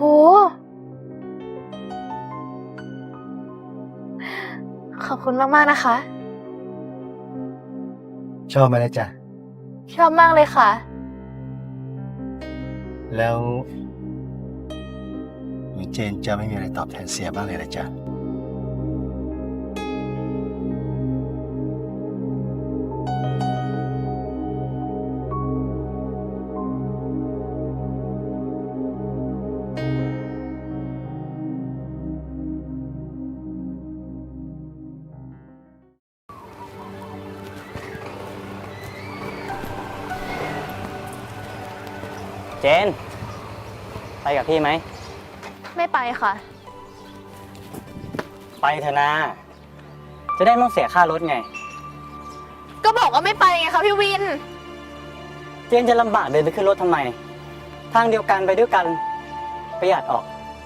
ขอบคุณมากๆนะคะชอบไหมล่ะจ๊ะชอบมากเลยค่ะแล้วหนูเจนจะไม่มีอะไรตอบแทนเสียบ้างเลยล่ะจ๊ะเจน ไปกับพี่ไหมไม่ไปค่ะไปเถอะนะ จะได้ไม่ต้องเสียค่ารถไงก็บอกว่าไม่ไปไงคะพี่วินเจนจะลำบากเดินไปขึ้นรถทำไม ทางเดียวกันไปด้วยกัน ประหยัดออก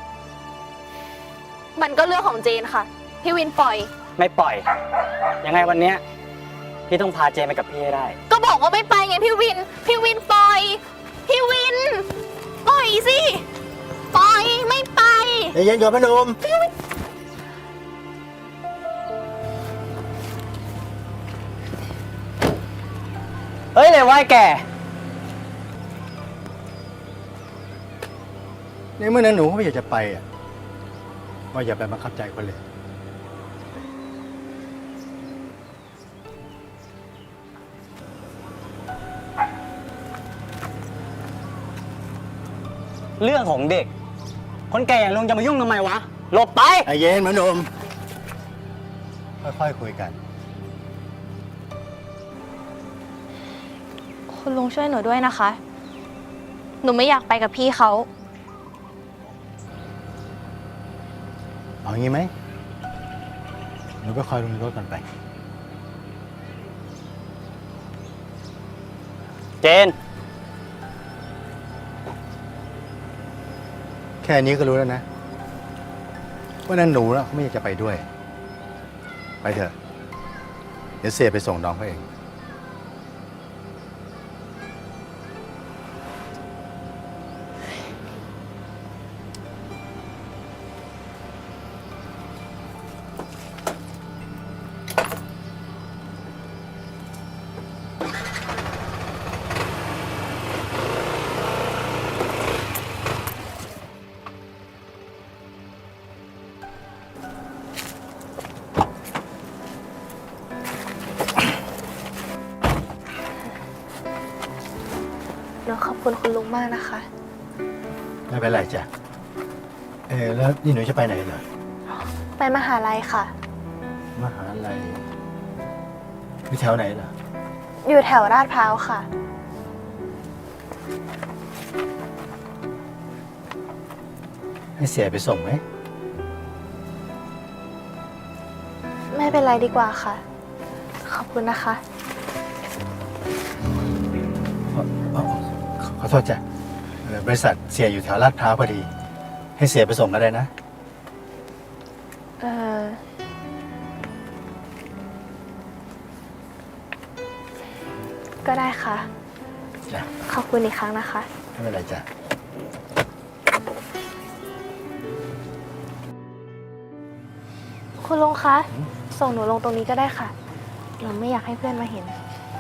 มันก็เรื่องของเจนค่ะ พี่วินปล่อยไม่ปล่อย ยังไงวันเนี้ยพี่ต้องพาเจนไปกับพี่ให้ได้ก็บอกว่าไม่ไปไงพี่วิน พี่วินปล่อย พี่วิน ปล่อยสิ ปล่อย ไม่ไปใจเย็นก่อนพนมเฮ้ยเลยว่าแกในเมื่อนั้นหนูก็ไม่อยากจะไปอ่ะว่าอย่าไปบังคับใจคนเลยเรื่องของเด็ก คนแก่อย่างลุงจะมายุ่งทำไมวะ หลบไปใจเย็นพนม ค่อยๆคุยกันคุณลุงช่วยหนูด้วยนะคะ หนูไม่อยากไปกับพี่เขาเอางี้ไหมหนูไปคอยลงรถกันไปเจนแค่นี้ก็รู้แล้วนะ ว่านั่นหนูนะเขาไม่อยากจะไปด้วย ไปเถอะ เดี๋ยวเสียไปส่งน้องเขาเองหนูขอบคุณคุณลุงมากนะคะไม่เป็นไรจ้ะ แล้วนี่หนูจะไปไหนเหรอไปมหาลัยค่ะมหาลัยอยู่แถวไหนเหรออยู่แถวลาดพร้าวค่ะให้เสียไปส่งไหมไม่เป็นไรดีกว่าค่ะ ขอบคุณนะคะขอโทษจ้ะบริษัทเสียอยู่แถวลาดพร้าวพอดี ให้เสียไปส่งก็ได้นะเออก็ได้ค่ะจ้ะขอบคุณอีกครั้งนะคะไม่เป็นไรจ้ะคุณลุงคะ ส่งหนูลงตรงนี้ก็ได้ค่ะ หนูไม่อยากให้เพื่อนมาเห็น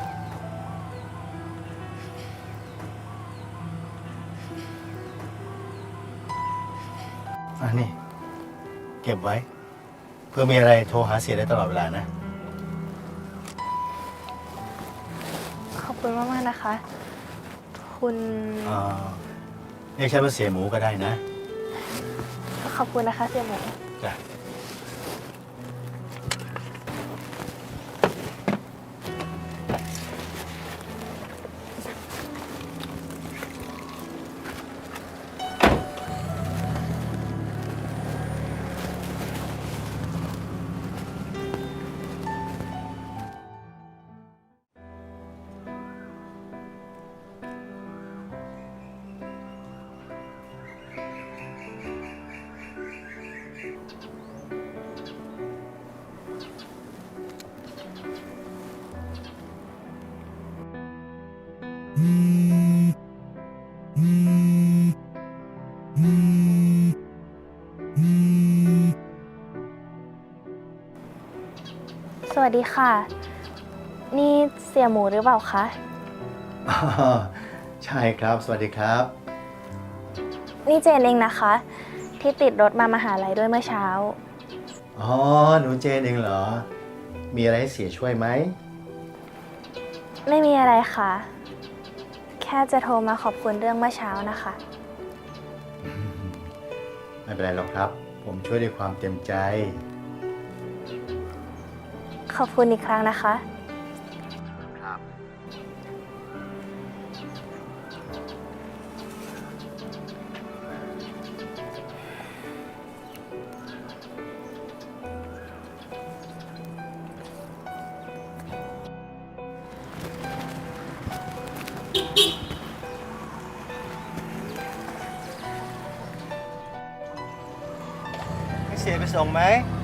อันนี้ เก็บไว้ เพื่อมีอะไรโทรหาเสียได้ตลอดเวลานะขอบคุณมากๆนะคะ คุณเรียกฉันว่าเสียหมูก็ได้นะขอบคุณนะคะเสี่ยหมูจ้ะสวัสดีค่ะ นี่เสี่ยหมูหรือเปล่าคะอ๋อใช่ครับ สวัสดีครับนี่เจนเองนะคะ ที่ติดรถมามหาลัยด้วยเมื่อเช้าอ๋อ หนูเจนเองเหรอ มีอะไรให้เสียช่วยไหมไม่มีอะไรค่ะ แค่จะโทรมาขอบคุณเรื่องเมื่อเช้านะคะไม่เป็นไรหรอกครับ ผมช่วยด้วยความเต็มใจขอบคุณอีกครั้งนะคะครับ ให้เสียไปส่งไหม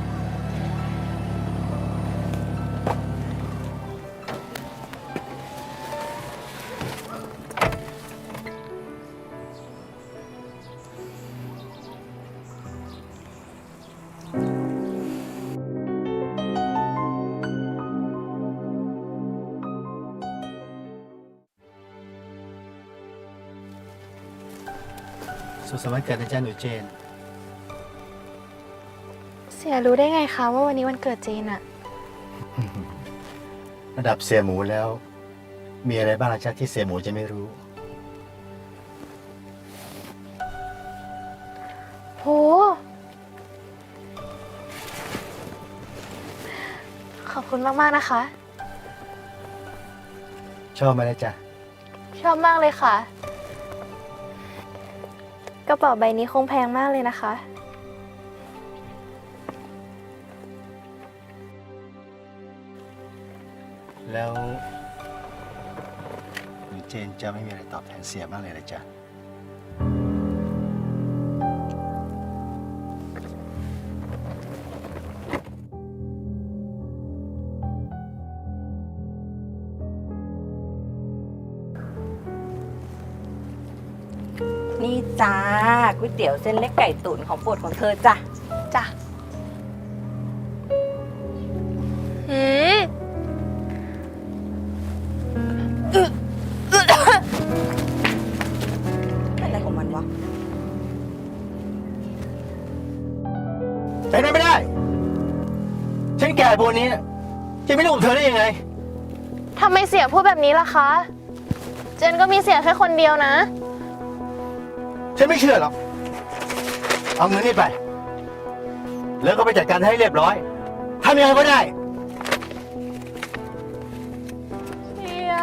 สุขสันต์วันเกิดนะจ๊ะหนูเจนเสียรู้ได้ไงคะว่าวันนี้วันเกิดเจนอะระดับเสียหมูแล้ว มีอะไรบ้างล่ะจ๊ะที่เสียหมูจะไม่รู้โห ขอบคุณมากๆนะคะชอบไหมล่ะจ๊ะชอบมากเลยค่ะ กระเป๋าใบนี้คงแพงมากเลยนะคะแล้วหนูเจนจะไม่มีอะไรตอบแทนเสียบ้างเลยเหรอจ๊ะนี่จ้าก๋วยเตี๋ยวเส้นเล็กไก่ตุ๋นของโปรดของเธอจ้ะจ้ะหืมเป็นอะไรของมันวะเป็นไปไม่ได้ ฉันแก่ปานนี้น่ะจะไม่รู้กับเธอได้ยังไงทำไมเสียพูดแบบนี้ล่ะคะ เจนก็มีเสียแค่คนเดียวนะฉันไม่เชื่อหรอก เอาเงินนี่ไป แล้วก็ไปจัดการให้เรียบร้อยทำยังไงก็ได้เสีย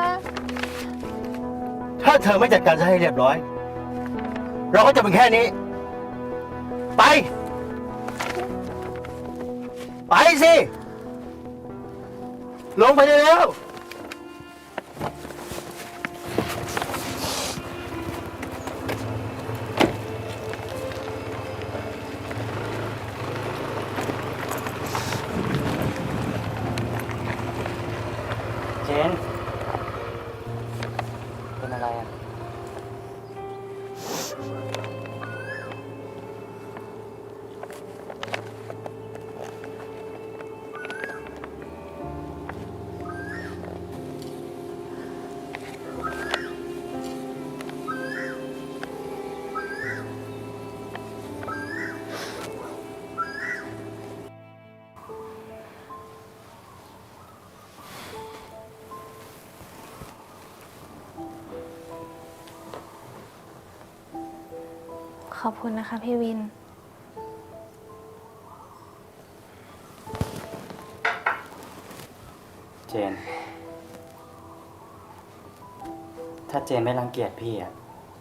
ถ้าเธอไม่จัดการให้เรียบร้อย เราก็จะเป็นแค่นี้ ไป ไปสิ ลงไปได้แล้วเจน เป็นอะไรอ่ะขอบคุณนะคะพี่วินเจน ถ้าเจนไม่รังเกียจพี่อ่ะ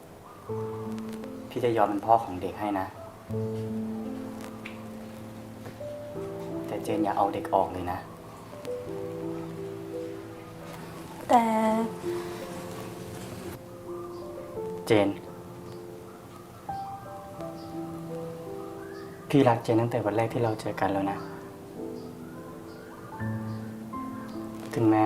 พี่จะยอมเป็นพ่อของเด็กให้นะ แต่เจนอย่าเอาเด็กออกเลยนะแต่เจน พี่รักเจนตั้งแต่วันแรกที่เราเจอกันแล้วนะ ถึงแม้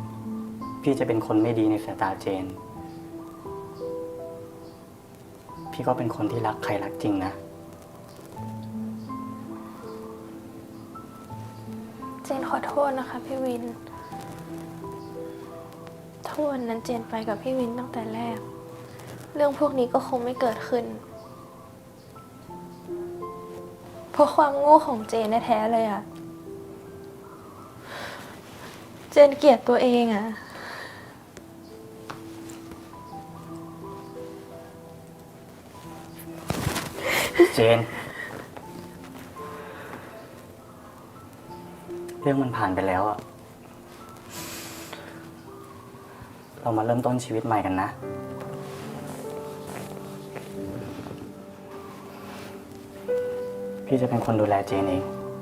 พี่จะเป็นคนไม่ดีในสายตาเจน พี่พี่ก็เป็นคนที่รักใครรักจริงนะเจนขอโทษนะคะพี่วินถ้าวันนั้นเจนไปกับพี่วินตั้งแต่แรก เรื่องพวกนี้ก็คงไม่เกิดขึ้น เพราะความโง่ของเจนแท้ๆเลยอะเจนเกลียดตัวเองอะเจน เรื่องมันผ่านไปแล้วอะเรามาเริ่มต้นชีวิตใหม่กันนะ พี่จะเป็นคนดูแลเจนเอง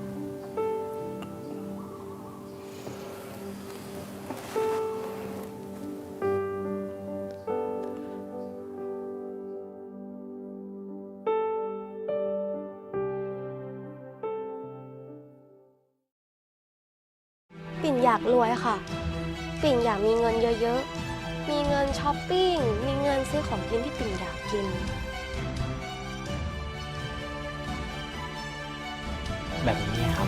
ปิ่นอยากรวยค่ะ ปิ่นอยากมีเงินเยอะๆ มีเงินช้อปปิ้ง มีเงินซื้อของกินที่ปิ่นอยากกินแบบนี้ครับ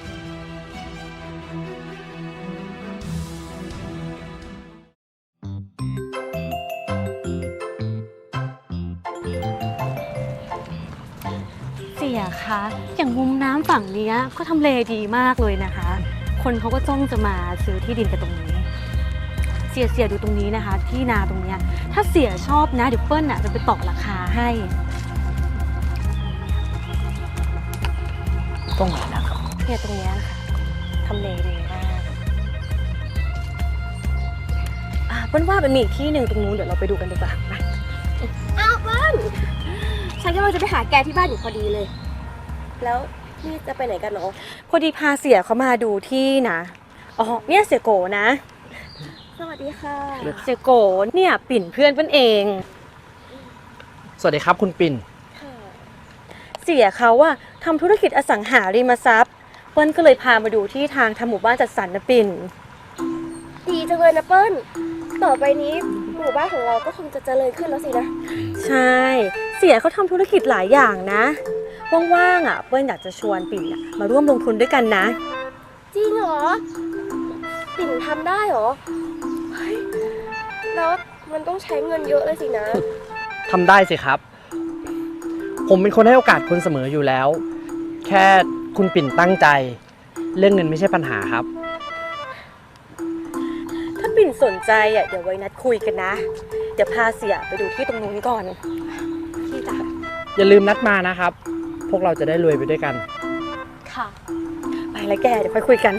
เสียคะอย่างมุมน้ำฝั่งเนี้ยก็ทำเลดีมากเลยนะคะ คนเขาก็จ้องจะมาซื้อที่ดินกันตรงนี้ เสียดูตรงนี้นะคะ ที่นาตรงเนี้ยถ้าเสียชอบนะเดี๋ยวเปิ้ลจะไปต่อราคาให้ตรงไหนนะครับเนี่ยตรงเนี้ยนะคะทำเลดีมากเปิ้ลว่ามันมีอีกที่หนึ่งตรงนู้นเดี๋ยวเราไปดูกันดีกว่าไปอ้าวเปิ้ลฉันกำลังจะไปหาแกที่บ้านอยู่พอดีเลย แล้วนี่จะไปไหนกันเนาะพอดีพาเสียเขามาดูที่นะอ๋อเนี่ยเสียโกนะสวัสดีค่ะเสียโกเนี่ยปิ่นเพื่อนเปิ้ลเองสวัสดีครับคุณปิ่นเสียเขาอะทำธุรกิจอสังหาริมทรัพย์เปิ้ลก็เลยพามาดูที่ทางทำหมู่บ้านจัดสรรนะปิ่นดีจังเลยนะเปิ้ล ต่อไปนี้หมู่บ้านของเราก็คงจะเจริญขึ้นแล้วสินะใช่ เสียเขาทำธุรกิจหลายอย่างนะว่างๆอะเปิ้ลอยากจะชวนปิ่นอะมาร่วมลงทุนด้วยกันนะจริงเหรอ ปิ่นทำได้เหรอ เฮ้ย แล้วมันต้องใช้เงินเยอะเลยสินะทำได้สิครับ ผมเป็นคนให้โอกาสคนเสมออยู่แล้ว แค่คุณปิ่นตั้งใจ เรื่องเงินไม่ใช่ปัญหาครับถ้าปิ่นสนใจอะเดี๋ยวไว้นัดคุยกันนะ เดี๋ยวพาเสียไปดูที่ตรงนู้นก่อนพี่จ๋าอย่าลืมนัดมานะครับ พวกเราจะได้รวยไปด้วยกันค่ะ ไปแล้วแกเดี๋ยวค่อยคุยกัน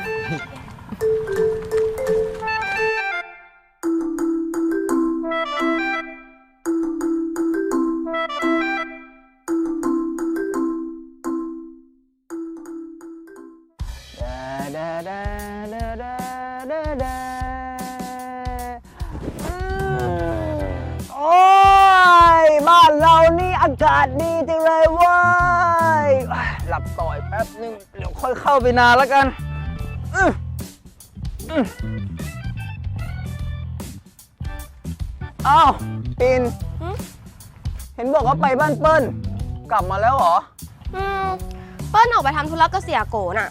โอ้ยบ้านเรานี่อากาศดีจังเลยเว้ยหลับต่อยแป๊บนึงเดี๋ยวค่อยเข้าไปนานแล้วกันอ้าวปิ่นเห็นบอกว่าไปบ้านเปิ้ลกลับมาแล้วเหรอเปิ้ลออกไปทำธุระกับเสียโกน่ะ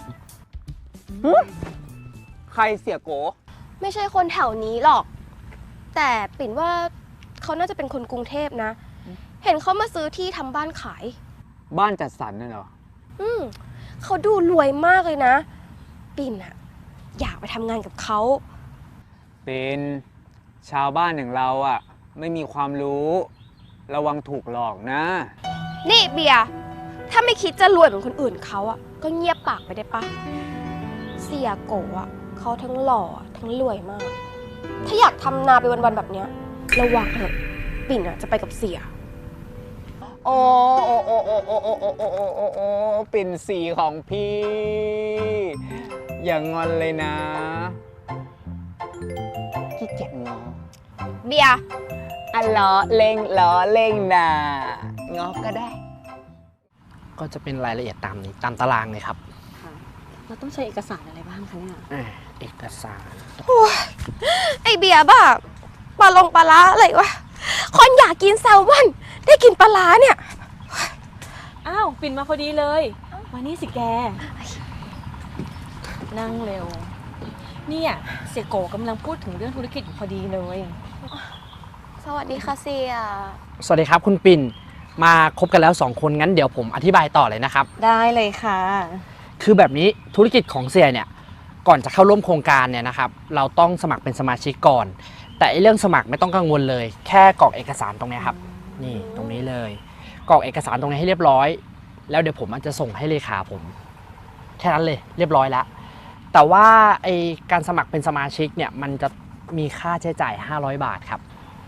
ใครเสียโกไม่ใช่คนแถวนี้หรอก แต่ปิ่นว่าเขาน่าจะเป็นคนกรุงเทพนะ เห็นเขามาซื้อที่ทำบ้านขายบ้านจัดสรรน่ะเหรอเขาดูรวยมากเลยนะ ปิ่นอะอยากไปทำงานกับเขาเป็นชาวบ้านอย่างเราอ่ะ ไม่มีความรู้ระวังถูกหลอกนะนี่เบียร์ถ้าไม่คิดจะรวยเหมือนคนอื่นเขาอะก็เงียบปากไปได้ปะเสียโกอะเขาทั้งหล่อทั้งรวยมาก ถ้าอยากทำนาไปวันๆแบบเนี้ยระวังเถอะปิ่นอะจะไปกับเสียโอ้โอ้โอ้โอ้โอ้โอ้โอ้โอ้โอ้โอ้โอ้ปิ่นสีของพี่ อย่างงอนเลยนะขี้เกียจงอเบียร์อ่ะล้อเล่งล้อเล่งนะงอก็ได้ก็จะเป็นรายละเอียดตามนี้ตามตารางเลยครับเราต้องใช้เอกสารอะไรบ้างคะเนี่ยเอกสารไอเบียร์บ้าปลาลงปลาล้าอะไรวะคนอยากกินแซลมอนได้กินปลาร้าเนี่ยอ้าวปิ่นมาพอดีเลย มานี่สิแก นั่งเร็ว เนี่ยเสียโกกำลังพูดถึงเรื่องธุรกิจอยู่พอดีเลยสวัสดีค่ะเสียสวัสดีครับคุณปิ่น มาคบกันแล้ว2คนงั้นเดี๋ยวผมอธิบายต่อเลยนะครับได้เลยค่ะคือแบบนี้ธุรกิจของเสียเนี่ยก่อนจะเข้าร่วมโครงการเนี่ยนะครับเราต้องสมัครเป็นสมาชิกก่อน แต่เรื่องสมัครไม่ต้องกังวลเลย แค่กรอกเอกสารตรงนี้ครับนี่ตรงนี้เลยกรอกเอกสารตรงนี้ให้เรียบร้อย แล้วเดี๋ยวผมจะส่งให้เลขาผมแค่นั้นเลยเรียบร้อยแล้วแต่ว่าไอการสมัครเป็นสมาชิกเนี่ยมันจะมีค่าใช้จ่าย500 บาทครับ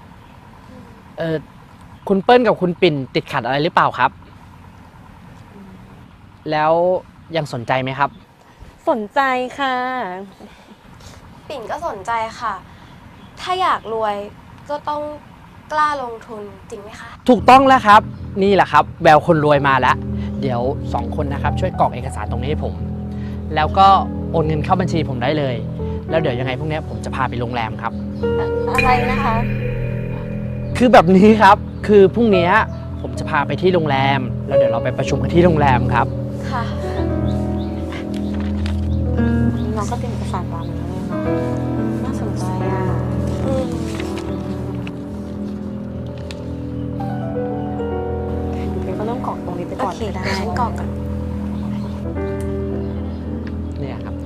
คุณเปิ้ลกับคุณปิ่นติดขัดอะไรหรือเปล่าครับ แล้วยังสนใจไหมครับสนใจค่ะปิ่นก็สนใจค่ะ ถ้าอยากรวยก็ต้องกล้าลงทุนจริงไหมคะถูกต้องแล้วครับนี่แหละครับแววคนรวยมาแล้ว เดี๋ยว2คนนะครับช่วยกรอกเอกสารตรงนี้ให้ผม แล้วก็โอนเงินเข้าบัญชีผมได้เลย แล้วเดี๋ยวยังไงพวกนี้ผมจะพาไปโรงแรมครับอะไรนะคะคือแบบนี้ครับคือพรุ่งนี้ผมจะพาไปที่โรงแรม แล้วเดี๋ยวเราไปประชุมกันที่โรงแรมครับค่ะน้องก็เป็นเอกสารตามนี้เลยเนาะน่าสนใจอ่ะ เดี๋ยวก็ต้องกรอกตรงนี้ไปโอก่อนเคก็ได้เดี๋ยวฉันกรอกก่อนเนี่ยครับ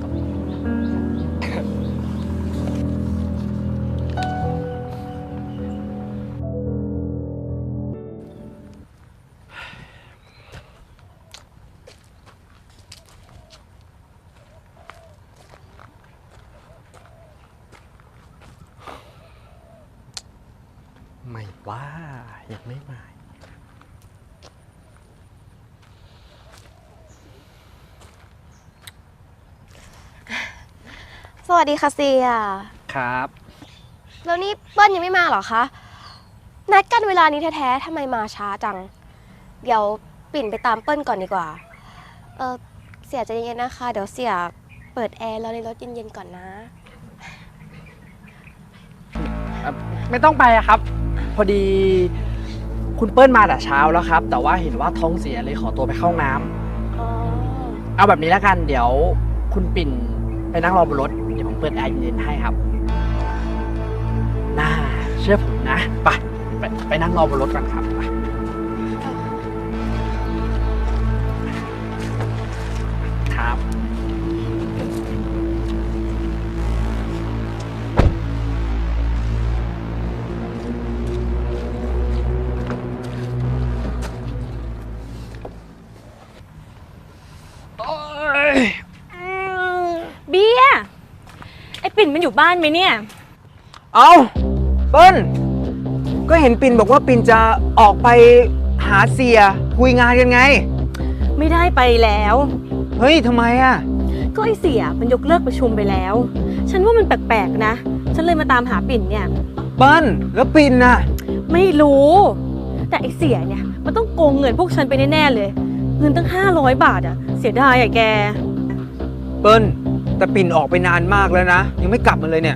ไม่ว่ายังไม่มาสวัสดีค่ะเสียครับแล้วนี่เปิ้ลยังไม่มาเหรอคะ นัดกันเวลานี้แท้ๆทำไมมาช้าจัง เดี๋ยวปิ่นไปตามเปิ้ลก่อนดีกว่า เสียใจเย็นๆนะคะ เดี๋ยวเสียเปิดแอร์แล้วในรถเย็นๆก่อนนะไม่ต้องไปอะครับ พอดีคุณเปิ้ลมาแต่เช้าแล้วครับ แต่ว่าเห็นว่าท้องเสียเลยขอตัวไปเข้าห้องน้ำอ๋อเอาแบบนี้แล้วกันเดี๋ยวคุณปิ่นไปนั่งรอบนรถเดี๋ยวผมเปิดแอร์เย็นๆให้ครับน่าเชื่อผมนะไปนั่งรอบนรถกันครับไปครับเบียร์ไอปิ่นมันอยู่บ้านไหมเนี่ยเอาเปิ้ลก็เห็นปิ่นบอกว่าปิ่นจะออกไปหาเสียคุยงานกันไงไม่ได้ไปแล้วเฮ้ยทำไมอ่ะก็ไอเสียมันยกเลิกประชุมไปแล้ว ฉันว่ามันแปลกๆนะ ฉันเลยมาตามหาปิ่นเนี่ยเปิ้ลแล้วปิ่นน่ะไม่รู้ แต่ไอเสียเนี่ยมันต้องโกงเงินพวกฉันไปแน่ๆเลย เงินตั้ง500 บาทอะเสียดายอะแกเปิ้ลแต่ปิ่นออกไปนานมากแล้วนะ ยังไม่กลับมาเลยเนี่ย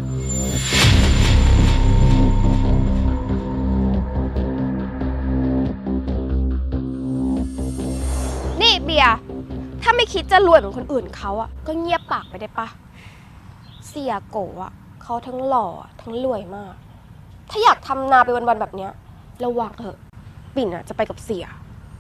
นี่เบียร์ถ้าไม่คิดจะรวยเหมือนคนอื่นเขาอะก็เงียบปากไปได้ปะ เสียโกะเขาทั้งหล่อทั้งรวยมาก ถ้าอยากทำนาไปวันๆแบบเนี้ยระวังเถอะ ปิ่นจะไปกับเสีย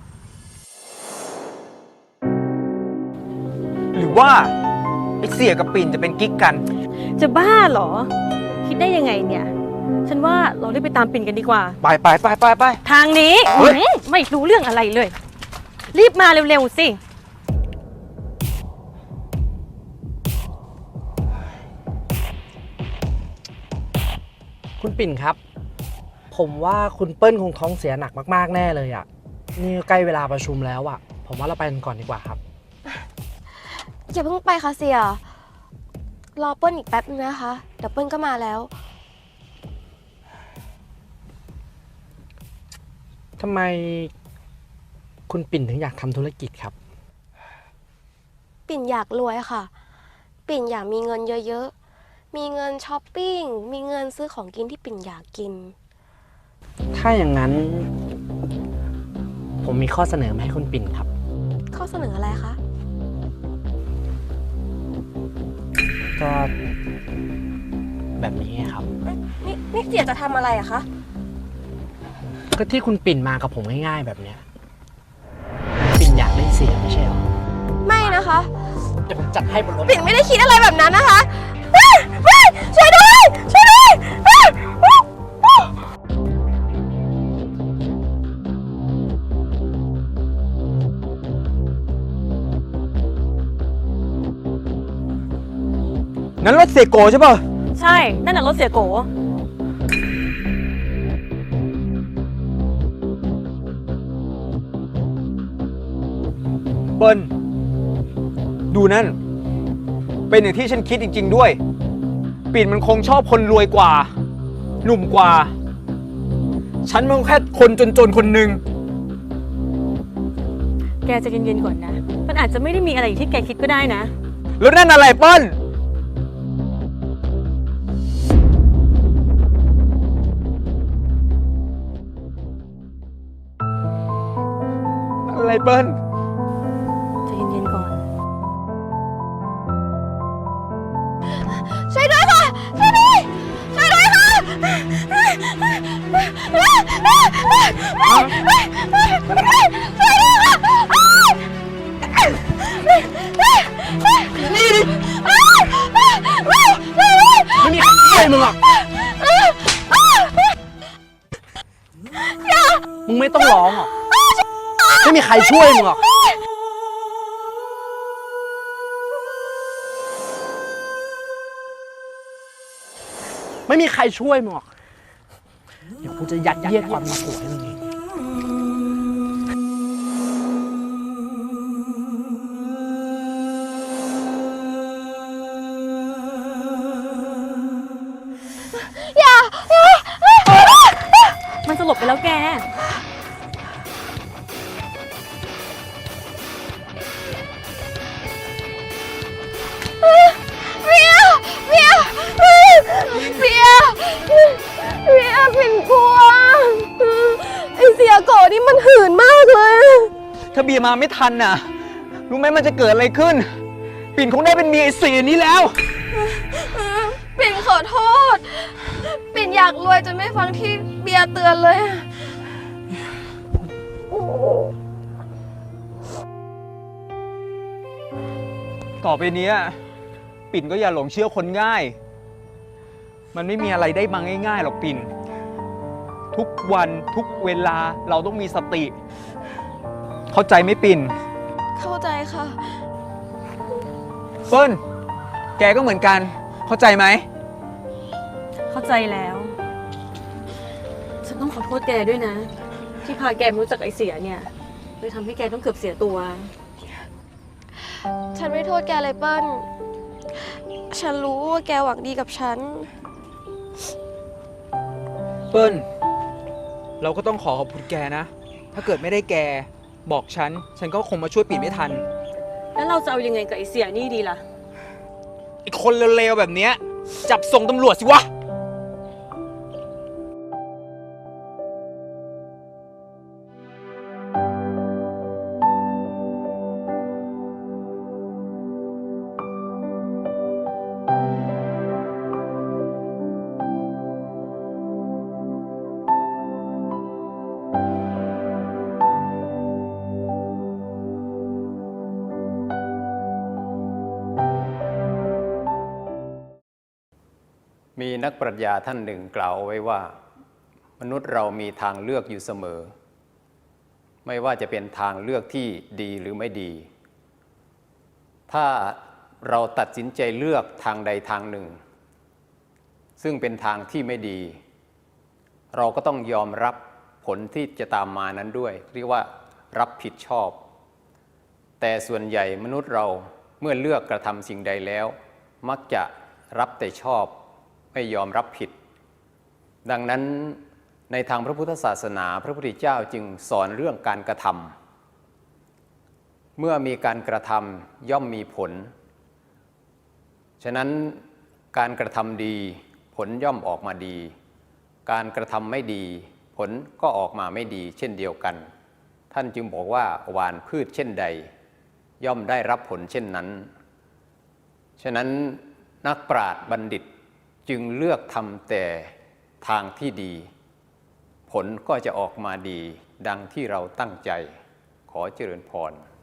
หรือว่าไอ้เสียกับปิ่นจะเป็นกิ๊กกันจะบ้าเหรอ คิดได้ยังไงเนี่ย ฉันว่าเราได้ไปตามปิ่นกันดีกว่าไปทางนี้เฮ้ยไม่รู้เรื่องอะไรเลย รีบมาเร็วๆสิคุณปิ่นครับ ผมว่าคุณเปิ้ลคงท้องเสียหนักมากๆแน่เลยอ่ะนี่ใกล้เวลาประชุมแล้วอ่ะผมว่าเราไปกันก่อนดีกว่าครับอย่าเพิ่งไปค่ะเสีย รอเปิ้ลอีกแป๊บนึงนะคะ เดี๋ยวเปิ้ลก็มาแล้วทำไมคุณปิ่นถึงอยากทำธุรกิจครับปิ่นอยากรวยค่ะ ปิ่นอยากมีเงินเยอะๆ มีเงินช้อปปิ้ง มีเงินซื้อของกินที่ปิ่นอยากกินถ้าอย่างนั้นผมมีข้อเสนอมาให้คุณปิ่นครับข้อเสนออะไรคะก็แบบนี้ไงครับนี่เสียจะทำอะไรอะคะก็ที่คุณปิ่นมากับผมง่ายๆแบบเนี้ยปิ่นอยากได้เสียไม่ใช่หรอไม่นะคะเดี๋ยวผมจัดให้บนรถปิ่นไม่ได้คิดอะไรแบบนั้นนะคะเฮ้ยช่วยด้วยช่วยด้วยนั้นรถเสกโกใช่ป่ะใช่ นั่นน่ะรถเสียโกเปิ้ลดูนั่น เป็นอย่างที่ฉันคิดจริงๆด้วย ปิ่นมันคงชอบคนรวยกว่า หนุ่มกว่า ฉันมันแค่คนจนๆคนหนึ่งแกจะเย็นๆก่อนนะ มันอาจจะไม่ได้มีอะไรอย่างที่แกคิดก็ได้นะแล้วนั่นอะไรเปิ้ลอะไรเปิ้ลจะเย็นๆก่อนช่วยด้วยค่ะ ช่วยด้วยช่วยด้วยค่ะช่วยด้วยค่ะนี่ดิไม่มีใครช่วยมึงหรอกมึงไม่ต้องร้องหรอกไม่มีใครช่วยมึงหรอกไม่มีใครช่วยมึงหรอกเดี๋ยวกูจะยัดเยียดความมาโกรธให้มึงเองมันสลบไปแล้วแกเบียร์เบียร์เบียร์ปิ่นกลัว ไอเสียโกนี่มันหื่นมากเลยถ้าเบียร์มาไม่ทันน่ะ รู้ไหมมันจะเกิดอะไรขึ้น ปิ่นคงได้เป็นเมียไอ้เสียนี้แล้วปิ่นขอโทษ ปิ่นอยากรวยจนไม่ฟังที่เบียร์เตือนเลยต่อไปเนี้ยปิ่นก็อย่าหลงเชื่อคนง่าย มันไม่มีอะไรได้มาง่ายๆหรอกปิ่น ทุกวันทุกเวลาเราต้องมีสติ เข้าใจไหมปิ่นเข้าใจค่ะเปิ้ลแกก็เหมือนกัน เข้าใจไหมเข้าใจแล้ว ฉันต้องขอโทษแกด้วยนะ ที่พาแกมารู้จักไอเสียเนี่ยเลยทำให้แกต้องเกือบเสียตัวฉันไม่โทษแกเลยเปิ้ล ฉันรู้ว่าแกหวังดีกับฉันเปิ้ลเราก็ต้องขอขอบคุณแกนะ ถ้าเกิดไม่ได้แกบอกฉันก็คงมาช่วยปิ่นไม่ทันแล้วเราจะเอายังไงกับไอเสียนี่ดีล่ะไอ้คนเลวๆแบบเนี้ยจับส่งตำรวจสิวะมีนักปรัชญาท่านหนึ่งกล่าวเอาไว้ว่า มนุษย์เรามีทางเลือกอยู่เสมอ ไม่ว่าจะเป็นทางเลือกที่ดีหรือไม่ดี ถ้าเราตัดสินใจเลือกทางใดทางหนึ่ง ซึ่งเป็นทางที่ไม่ดี เราก็ต้องยอมรับผลที่จะตามมานั้นด้วยเรียกว่ารับผิดชอบ แต่ส่วนใหญ่มนุษย์เราเมื่อเลือกกระทำสิ่งใดแล้ว มักจะรับแต่ชอบไม่ยอมรับผิด ดังนั้นในทางพระพุทธศาสนาพระพุทธเจ้าจึงสอนเรื่องการกระทำเมื่อมีการกระทำย่อมมีผลฉะนั้นการกระทำดีผลย่อมออกมาดีการกระทำไม่ดีผลก็ออกมาไม่ดีเช่นเดียวกันท่านจึงบอกว่าหว่านพืชเช่นใด ย่อมได้รับผลเช่นนั้น ฉะนั้นนักปราชญ์บัณฑิตจึงเลือกทำแต่ทางที่ดี ผลก็จะออกมาดีดังที่เราตั้งใจขอเจริญพร